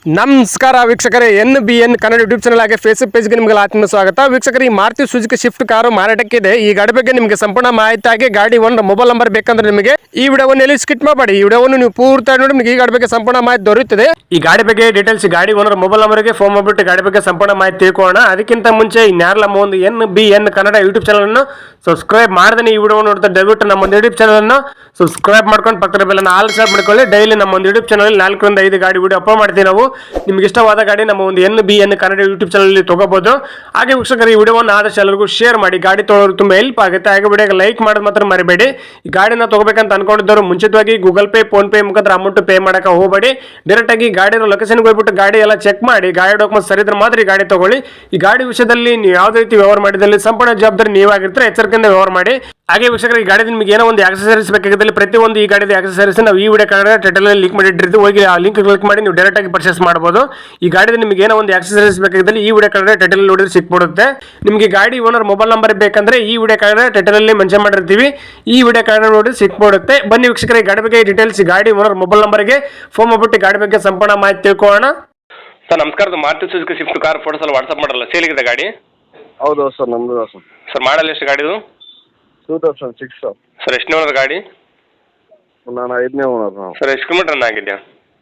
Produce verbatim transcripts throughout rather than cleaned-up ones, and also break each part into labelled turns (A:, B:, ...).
A: ನಮಸ್ಕಾರ ವೀಕ್ಷಕರೇ, N B N Kannada YouTube channel ಹಾಗೆ ಫೇಸ್ಬುಕ್ ಪೇಜ್ಗೆ ನಿಮಗೆ ಆತ್ಮ ಸ್ವಾಗತ. ವೀಕ್ಷಕರು, ಈ ಮಾರುತಿ ಸುಜುಕಿ ಶಿಫ್ಟ್ ಕಾರು ಮಾರಾಟಕ್ಕಿದೆ. ಈ ಗಾಡಿ ಬಗ್ಗೆ ನಿಮಗೆ ಸಂಪೂರ್ಣ ಮಾಹಿತಿ ಆಗಿ ಗಾಡಿ ಒಂದು ಮೊಬೈಲ್ ನಂಬರ್ ಬೇಕಂದ್ರೆ ನಿಮಗೆ ಈ ವಿಡಿಯೋವನ್ನು ಎಲ್ಲಿ ಸ್ಕಿಪ್ ಮಾಡಬೇಡಿ. ಈ ವಿಡಿಯೋವನ್ನು ನೀವು ಪೂರ್ತಿ ನೋಡಿ ನಿಮಗೆ ಈ ಗಾಡಿ ಬಗ್ಗೆ ಸಂಪೂರ್ಣ ಮಾಹಿತಿ ದೊರೆಯುತ್ತದೆ. ಈ ಗಾಡಿ ಬಗ್ಗೆ ಡೀಟೇಲ್ಸ್ ಗಾಡಿ ಓನರ್ ಮೊಬೈಲ್ ನಂಬರ್ಗೆ ಫೋನ್ ಮಾಡಿಬಿಟ್ಟು ಗಾಡಿ ಬಗ್ಗೆ ಸಂಪೂರ್ಣ ಮಾಹಿತಿ ತಿಳ್ಕೊಳ್ಳೋಣ. ಅದಕ್ಕಿಂತ ಮುಂಚೆ ಇನ್ಯಾರಲ್ಲ ನಮ್ಮ ಒಂದು N B N Kannada YouTube channel ಅನ್ನು ಸಬ್ಸ್ಕ್ರೈಬ್ ಮಾಡದೇ ಈ ವಿಡಿಯೋ ನೋಡ್ತಾ ದಯವಿಟ್ಟು ನಮ್ಮ ಒಂದು ಯೂಟ್ಯೂಬ್ ಚಾನಲ್ ಅನ್ನು ಸಬ್ಸ್ಕ್ರೈಬ್ ಮಾಡ್ಕೊಂಡು ಪಕ್ಕದ ಬೆಲ್ಲನ್ನು ಆಲ್ ಸೆಟ್ ಮಾಡ್ಕೊಳ್ಳಿ. ಡೈಲಿ ನಮ್ಮ ಒಂದು ಯೂಟ್ಯೂಬ್ ಚಾನಲ್ ನಾಲ್ಕರಿಂದ ಐದು ಗಾಡಿ ವಿಡಿಯೋ ಅಪ್ಲೋಡ್ ಮಾಡ್ತೀವಿ ನಾವು. ನಿಮ್ಗೆ ಇಷ್ಟವಾದ ಗಾಡಿ ನಮ್ಮ ಒಂದು N B N Kannada YouTube channel ತಗೋಬಹುದು. ಹಾಗೆ ವೀಕ್ಷಕರು, ಈ ವಿಡಿಯೋವನ್ನು ಆದಷ್ಟು ಎಲ್ಲರಿಗೂ ಶೇರ್ ಮಾಡಿ. ಗಾಡಿ ತೊಗೊಳ್ಳೋರು ತುಂಬಾ ಹೆಲ್ಪ್ ಆಗುತ್ತೆ. ಹಾಗೆ ವಿಡಿಯೋಗೆ ಲೈಕ್ ಮಾಡೋದು ಮಾತ್ರ ಮರಿಬೇಡಿ. ಈ ಗಾಡಿನ ತಗೋಬೇಕಂತ ಅನ್ಕೊಂಡಿದ್ದವರು ಮುಂಚಿತವಾಗಿ ಗೂಗಲ್ ಪೇ ಫೋನ್ ಪೇ ಮುಖಾಂತರ ಅಮೌಂಟ್ ಪೇ ಮಾಡಕ್ಕೆ ಹೋಗಬೇಡಿ. ಡೈರೆಕ್ಟ್ ಆಗಿ ಗಾಡಿನ ಲೊಕೇಶನ್ಗೆ ಹೋಗ್ಬಿಟ್ಟು ಗಾಡಿ ಎಲ್ಲ ಚೆಕ್ ಮಾಡಿ, ಗಾಡಿ ಡಾಕ್ಯುಮೆಂಟ್ಸ್ ಸರಿ ಇದ್ರೆ ಮಾತ್ರ ಈ ಗಾಡಿ ತಗೊಳ್ಳಿ. ಈ ಗಾಡಿ ವಿಷಯದಲ್ಲಿ ನೀವು ಯಾವುದೇ ರೀತಿ ವ್ಯವಹಾರ ಮಾಡಿದಲ್ಲಿ ಸಂಪೂರ್ಣ ಜವಾಬ್ದಾರಿ ನೀವಾಗಿರ್ತಾರೆ. ಎಚ್ಚರಿಕೆಯಿಂದ ವ್ಯವಹಾರ ಮಾಡಿ. ಹಾಗೆ ವೀಕ್ಷಕರು, ಈ ಗಾಡಿ ನಿಮಗೆ ಏನೋ ಒಂದು ಆಕ್ಸೆಸರೀಸ್ ಬೇಕಾಗಿದ್ದಲ್ಲಿ ಪ್ರತಿಯೊಂದು ಈ ಗಾಡಿದ ಆಕ್ಸೆಸರೀಸ್ ನಾವು ಈ ವಿಡಿಯೋ ಕನ್ನಡ ಟೈಟಲ್ ಅಲ್ಲಿ ಲಿಂಕ್ ಮಾಡಿಟ್ಟಿರ್ತೀವಿ. ಹೋಗಿ ಆ ಲಿಂಕ್ ಕ್ಲಿಕ್ ಮಾಡಿ ನೀವು ಡೈರೆಕ್ಟ್ ಆಗಿ ಪರ್ಚೇಸ್ ಮಾಡಬಹುದು. ಈ ಗಾಡಿದ ನಿಮಗೆ ಏನೋ ಒಂದು ಆಕ್ಸೆಸರೀಸ್ ಬೇಕಾಗಿದ್ದಲ್ಲಿ ಈ ವಿಡಿಯೋ ಕನ್ನಡ ಟೈಟಲ್ ನೋಡಿದ್ರೆ ಸಿಕ್ಬಿಡುತ್ತೆ. ನಿಮಗೆ ಗಾಡಿ ಓನರ್ ಮೊಬೈಲ್ ನಂಬರ್ ಬೇಕಂದ್ರೆ ಈ ವಿಡಿಯೋ ಕನ್ನಡ ಟೈಟಲ್ ಅಲ್ಲಿ ಮೆನ್ಷನ್ ಮಾಡಿರ್ತೀವಿ. ಈ ವಿಡಿಯೋ ಕನ್ನಡ ನೋಡಿ ಸಿಕ್ಬಿಡುತ್ತೆ. ಬನ್ನಿ ವೀಕ್ಷಕರ, ಈ ಗಾಡಿ ಬಗ್ಗೆ ಡೀಟೇಲ್ಸ್ ಗಾಡಿ ಓನರ್ ಮೊಬೈಲ್ ನಂಬರ್ಗೆ ಫೋನ್ ಮಾಡ್ಬಿಟ್ಟು ಗಾಡಿ ಬಗ್ಗೆ ಸಂಪೂರ್ಣ ಮಾಹಿತಿ ತಿಳ್ಕೊಳ್ಳೋಣ. ಸರ್ ನಮಸ್ಕಾರ, Maruti Suzuki Swift car photos ಎಲ್ಲ ವಾಟ್ಸ್ಆಪ್ ಮಾಡಲ್ಲ, ಸೇಲಿಗಿದೆ ಗಾಡಿ?
B: ಹೌದು ಸರ್, ನಮ್ಮದು ಸರ್.
A: ಸರ್ ಮಾಡಲ್ ಎಷ್ಟು ಗಾಡಿದು?
B: Two thousand six sir.
A: Sir ಎಷ್ಟನೇ ಓನರ್ ಗಾಡಿ?
B: ನಾನು ಐದನೇ ಓನರ್.
A: ಸರ್ ಎಷ್ಟು ಕಿಲೋಮೀಟರ್ ರನ್ ಆಗಿದೆಯಾ?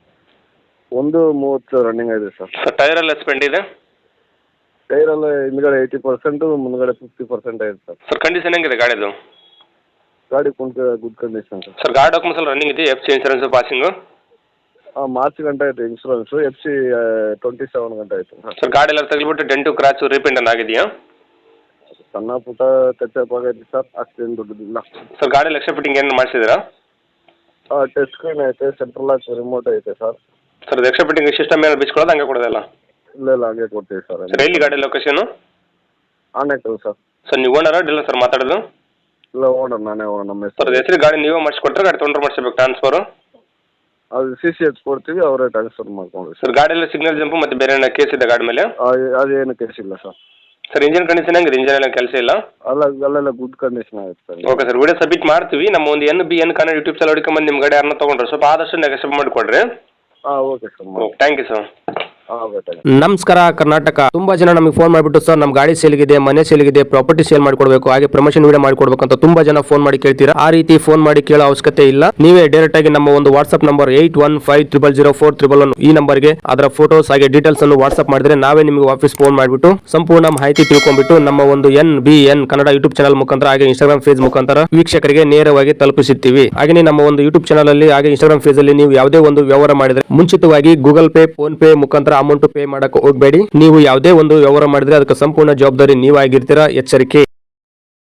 B: ಒಂದು ಮೂವತ್ತು ರನ್ನಿಂಗ್ ಆಗಿದೆ ಸರ್.
A: ಸರ್ ಟೈರ್ ಎಲ್ಲ ಸ್ಪೆಂಡ್ ಇದೆ?
B: ಟೈರ್ ಎಲ್ಲ ಹಿಂದ್ಗಡೆ ಏಯ್ಟಿ ಪರ್ಸೆಂಟು, ಮುಂದ್ಗಡೆ ಫಿಫ್ಟಿ ಪರ್ಸೆಂಟ್ ಆಗಿದೆ ಸರ್.
A: ಸರ್ ಕಂಡೀಷನ್ ಹೆಂಗಿದೆ ಗಾಡಿದು?
B: ಗಾಡಿ ಕುಂತ ಗುಡ್ ಕಂಡೀಷನ್ ಸರ್.
A: ಸರ್ ಗಾಡಿ ಡಾಕ್ಯುಮೆಂಟ್ಸ್ ಎಲ್ಲ ರನ್ನಿಂಗ್ ಇದೆ? F C insurance passing?
B: ಹಾಂ, ಮಾರ್ಚ್ ಗಂಟೆ ಆಯಿತು insurance. F C twenty seven ಗಂಟೆ ಆಯಿತು
A: ಸರ್. ಗಾಡಿ ಎಲ್ಲ ತಗ್ಲಿಬಿಟ್ಟು ಡೆಂಟು ಕ್ರಾಚು ರೀಪೇಂಟ್ ಆಗಿದೆಯಾ?
B: ಸಣ್ಣ ಪುಟ್ಟ ಟಚಪ್ ಆಗೈತೆ ಸರ್, ಅಷ್ಟೇನು ದೊಡ್ಡದಿಲ್ಲ.
A: ಸರ್ ಗಾಡಿ ಎಕ್ಸ್ಟ್ರಾ ಫಿಟ್ಟಿಂಗ್ ಏನು ಮಾಡಿಸಿದ್ದೀರಾ?
B: ಹಾಂ, ಟಚ್ ಸ್ಕ್ರೀನ್ ಐತೆ, ಸೆಂಟ್ರಲ್ ಲಾಕ್ ರಿಮೋಟ್ ಐತೆ sir.
A: Sir extra fitting system ಏನು ಬಿಚ್ಕೊಳ್ಳೋದು ಹಂಗೆ ಕೊಡೋದಲ್ಲ?
B: ಇಲ್ಲ ಇಲ್ಲ, ಹಂಗೆ ಕೊಡ್ತೀವಿ ಸರ್.
A: ಸರ್ ಎಲ್ಲಿ ಗಾಡಿ ಲೊಕೇಶನು?
B: ಆನೆಕಲ್ ಸರ್.
A: ಸರ್ ನೀವು ಓನರ ಡೀಲರ್ ಸರ್ ಮಾತಾಡೋದು?
B: ಇಲ್ಲ, ಓನರ್ ನಾನೇ ಓನರ್. ನಮ್ಮ
A: ಸರ್ ಹೆಸರು ಗಾಡಿ ನೀವೇ ಮಾಡಿಸ್ಕೊಟ್ರೆ ಗಾಡಿ ತೊಗೊಂಡ್ರೆ ಮಾಡಿಸ್ಬೇಕು ಟ್ರಾನ್ಸ್ಫರು?
B: ಅದು ಸಿ ಸಿ ಎಚ್ ಕೊಡ್ತೀವಿ, ಅವರೇ ಟ್ರಾನ್ಸ್ಫರ್ ಮಾಡ್ಕೊಂಡ್ರಿ
A: ಸರ್. ಗಾಡಿ ಎಲ್ಲ ಸಿಗ್ನಲ್ ಜಂಪು ಮತ್ತು ಬೇರೆ ಏನೋ ಕೇಸ್ ಇದೆ ಗಾಡಿ ಮೇಲೆ?
B: ಅದೇನು ಕೇಸ್ ಇಲ್ಲ ಸರ್.
A: ಸರ್ ಇಂಜಿನ್ ಕಂಡೀಷನ್ ಹೆಂಗಿದೆ? ಇಂಜಿನ್ ಎಲ್ಲ ಕೆಲಸ ಇಲ್ಲ?
B: ಅಲ್ಲ, ಅಲ್ಲೆಲ್ಲ ಗುಡ್ ಕಂಡೀಷನ್ ಆಗುತ್ತೆ sir.
A: Okay sir, video submit ಮಾಡ್ತೀವಿ. ನಮ್ಮ ಒಂದು N B N Kannada YouTube channel ಹುಡುಕೊಂಬಂದು ನಿಮ್ಮ ಗಾಡಿ ಯಾರನ್ನ ತೊಗೊಂಡ್ರೆ ಸ್ವಲ್ಪ ಆದಷ್ಟು ನೆಗೆಸಬ್ ಮಾಡಿಕೊಡ್ರಿ.
B: ಹಾಂ, okay sir.
A: Okay, thank you sir.
C: ನಮಸ್ಕಾರ ಕರ್ನಾಟಕ. ತುಂಬಾ ಜನ ನಮಗೆ ಫೋನ್ ಮಾಡಿಬಿಟ್ಟು ಸರ್ ನಮ್ಮ ಗಾಡಿ ಸೇಲ್ಗಿದೆ, ಮನೆ ಸೇಲ್ಗಿದೆ, ಪ್ರಾಪರ್ಟಿ ಸೇಲ್ ಮಾಡ್ಕೊಡ್ಬೇಕು, ಹಾಗೆ ಪ್ರಮೋಷನ್ ವಿಡಿಯೋ ಮಾಡ್ಕೊಡ್ಬೇಕು ಅಂತ ತುಂಬಾ ಜನ ಫೋನ್ ಮಾಡಿ ಕೇಳ್ತೀರಾ. ಆ ರೀತಿ ಫೋನ್ ಮಾಡಿ ಕೇಳೋ ಅವಶ್ಯಕತೆ ಇಲ್ಲ. ನೀವೇ ಡೈರೆಕ್ಟ್ ಆಗಿ ನಮ್ಮ ಒಂದು WhatsApp number eight one five triple zero four triple one ಈ ನಂಬರ್ಗೆ ಅದರ ಫೋಟೋಸ್ ಹಾಗೆ ಡೀಟೇಲ್ಸ್ ಅನ್ನು ವಾಟ್ಸ್ಆಪ್ ಮಾಡಿದ್ರೆ ನಾವೇ ನಿಮಗೆ ವಾಪಸ್ ಫೋನ್ ಮಾಡಿಬಿಟ್ಟು ಸಂಪೂರ್ಣ ಮಾಹಿತಿ ತಿಳ್ಕೊಂಡ್ಬಿಟ್ಟು ನಮ್ಮ ಒಂದು N B N Kannada YouTube channel ಮುಖಾಂತರ ಹಾಗೆ ಇನ್ಸ್ಟಾಗ್ರಾಮ್ ಪೇಜ್ ಮುಖಾಂತರ ವೀಕ್ಷಕರಿಗೆ ನೇರವಾಗಿ ತಲುಪಿಸುತ್ತೀವಿ. ಹಾಗೆ ನಮ್ಮ ಒಂದು ಯೂಟ್ಯೂಬ್ ಚಾನಲ್ ಅಲ್ಲಿ ಹಾಗೆ ಇನ್ಸ್ಟಾಗ್ರಾಮ್ ಪೇಜ್ ಅಲ್ಲಿ ನೀವು ಯಾವುದೇ ಒಂದು ವ್ಯವಹಾರ ಮಾಡಿದ್ರೆ ಮುಂಚಿತವಾಗಿ ಗೂಗಲ್ ಪೇ ಫೋನ್ ಪೇ ಮುಖಾಂತರ ಅಮೌಂಟ್ ಪೇ ಮಾಡಕ್ಕೆ ಹೋಗಬೇಡಿ. ನೀವು ಯಾವುದೇ ಒಂದು ವ್ಯವಹಾರ ಮಾಡಿದ್ರೆ ಅದಕ್ಕೆ ಸಂಪೂರ್ಣ ಜವಾಬ್ದಾರಿ ನೀವಾಗಿರ್ತೀರಾ. ಎಚ್ಚರಿಕೆ.